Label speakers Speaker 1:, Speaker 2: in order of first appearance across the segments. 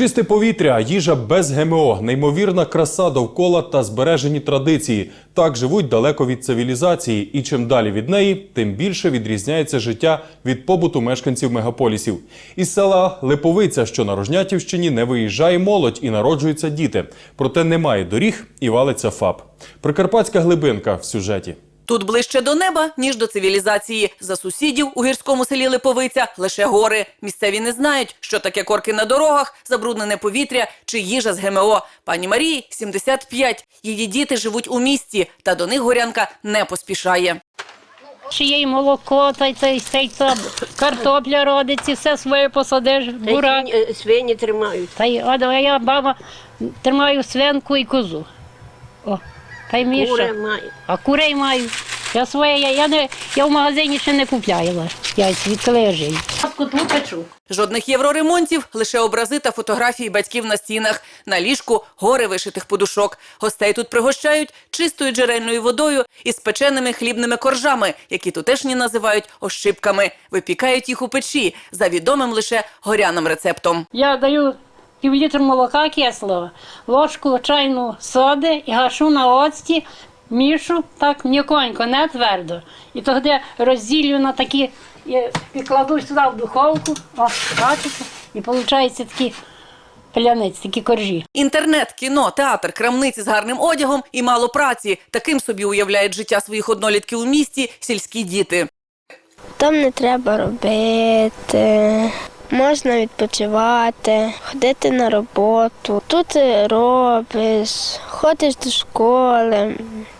Speaker 1: Чисте повітря, їжа без ГМО, неймовірна краса довкола та збережені традиції. Так живуть далеко від цивілізації. І чим далі від неї, тим більше відрізняється життя від побуту мешканців мегаполісів. Із села Липовиця, що на Рожнятівщині, не виїжджає молодь і народжуються діти. Проте немає доріг і валиться ФАП. Прикарпатська глибинка в сюжеті.
Speaker 2: Тут ближче до неба, ніж до цивілізації. За сусідів у гірському селі Липовиця лише гори. Місцеві не знають, що таке корки на дорогах, забруднене повітря чи їжа з ГМО. Пані Марії 75. Її діти живуть у місті, та до них горянка не поспішає.
Speaker 3: Ще є і молоко, та картопля родиться, все своє посадиш, бурак.
Speaker 4: Свині тримають.
Speaker 3: А я, баба, тримаю свинку і козу. О, та й Міша.
Speaker 4: Кури маю.
Speaker 3: А курей маю. Я своє, я в магазині ще не купляла. Я відколи я живу. Котлу печу.
Speaker 2: Жодних євроремонтів, лише образи та фотографії батьків на стінах. На ліжку гори вишитих подушок. Гостей тут пригощають чистою джерельною водою і спеченими хлібними коржами, які тутешні називають ощипками. Випікають їх у печі, за відомим лише горяним рецептом.
Speaker 3: Я даю пів-літр молока кислого, ложку чайну соди і гашу на оцті, мішу так м'яконько, не твердо. І тоді розділю на такі, і кладу сюди в духовку, бачите, і виходить такі паляниці, такі коржі.
Speaker 2: Інтернет, кіно, театр, крамниці з гарним одягом і мало праці. Таким собі уявляють життя своїх однолітків у місті сільські діти.
Speaker 5: Там не треба робити, можна відпочивати, ходити на роботу. Тут робиш, ходиш до школи,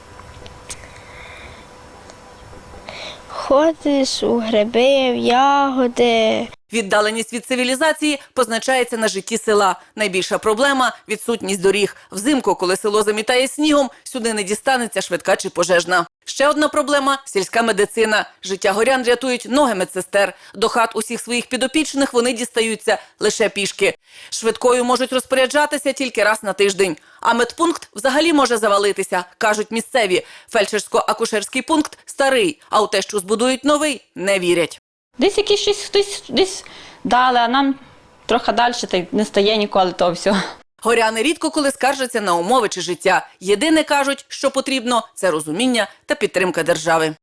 Speaker 5: ходиш у гриби, в ягоди.
Speaker 2: Віддаленість від цивілізації позначається на житті села. Найбільша проблема – відсутність доріг. Взимку, коли село замітає снігом, сюди не дістанеться швидка чи пожежна. Ще одна проблема – сільська медицина. Життя горян рятують ноги медсестер. До хат усіх своїх підопічних вони дістаються лише пішки. Швидкою можуть розпоряджатися тільки раз на тиждень. А медпункт взагалі може завалитися, кажуть місцеві. Фельдшерсько-акушерський пункт старий, а у те, що збудують новий, не вірять.
Speaker 6: Десь якийсь щось хтось десь дали, а нам трохи далі та й не стає ніколи того всього.
Speaker 2: Горяни рідко коли скаржаться на умови чи життя. Єдине, кажуть, що потрібно – це розуміння та підтримка держави.